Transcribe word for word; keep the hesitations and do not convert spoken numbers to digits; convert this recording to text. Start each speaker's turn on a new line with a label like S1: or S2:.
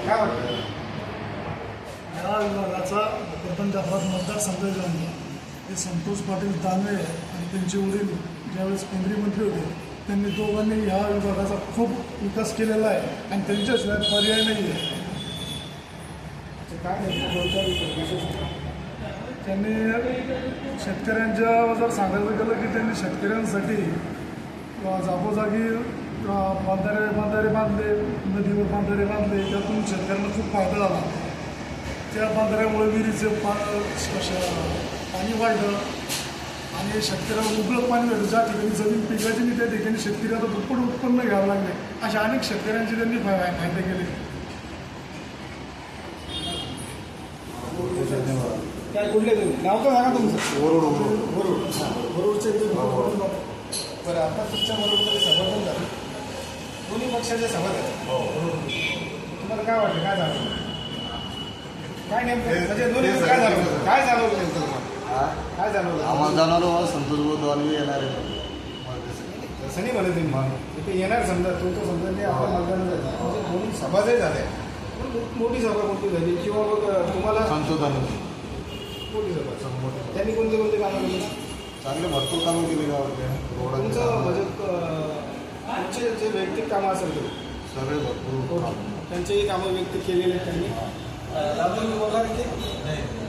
S1: काय वाटतं?
S2: या विभागाचा प्रथम जाफराबाद मतदारसंघ जो आहे ते संतोष पाटील दानवे आणि त्यांचे वडील ज्यावेळेस केंद्रीय मंत्री होते त्यांनी दोघांनी ह्या विभागाचा खूप विकास केलेला आहे आणि त्यांच्याशिवाय पर्याय नाही आहे.
S1: काय नाही विशेष
S2: त्यांनी शेतकऱ्यांच्या जर सांगायचं गेलं की त्यांनी शेतकऱ्यांसाठी जागोजागी बांधारे बांधारे बांधले, नदीवर बांधारे बांधले, त्यातून शेतकऱ्यांना खूप फायदा झाला. त्या बांधाऱ्यामुळे विहिरीचे पा पाणी वाढलं आणि शेतकऱ्याला उबळं पाणी भेटलं. ज्या ठिकाणी जमीन पिकायची नाही त्या ठिकाणी शेतकरी आता दुप्पट उत्पन्न घ्यावं लागले. अशा अनेक शेतकऱ्यांचे त्यांनी फायदे केले.
S1: काय कुठले तुम्ही नाव तर सांगा तुमचं?
S3: वरुड वरुड
S1: वरुड वरुडचे बरं. आता तुमच्या वरुडमध्ये सभा पण झाली, दोन्ही पक्षाचे सभा झाले. तुम्हाला काय वाटतं? काय झालं? काय नेमकं म्हणजे दोन्ही काय झालं? काय झालं नेमकं तुम्हाला? काय झालं?
S3: आम्हाला जाणार संतोष भाऊ दानवे येणार आहे.
S1: तसं नाही म्हणत तुम्ही इथे येणार समजा तो तो समजा ते आपण मतदान झालं म्हणजे दोन्ही सभा जरी झाल्या पण मोठी सभा कोणती झाली किंवा मग तुम्हाला
S3: संतोष दानवे
S1: मोठी सभा त्यांनी कोणते कोणते कामं केली?
S3: चांगले भरपूर कामं केले गावातले. रोडाचे
S1: तुमचं
S3: कामं,
S1: म्हणजे तुमचे जे वैयक्तिक कामं असेल ते
S3: सगळे भरपूर
S1: त्यांचेही कामं व्यक्त केलेले आहेत त्यांनी. राजूर वगैरे ते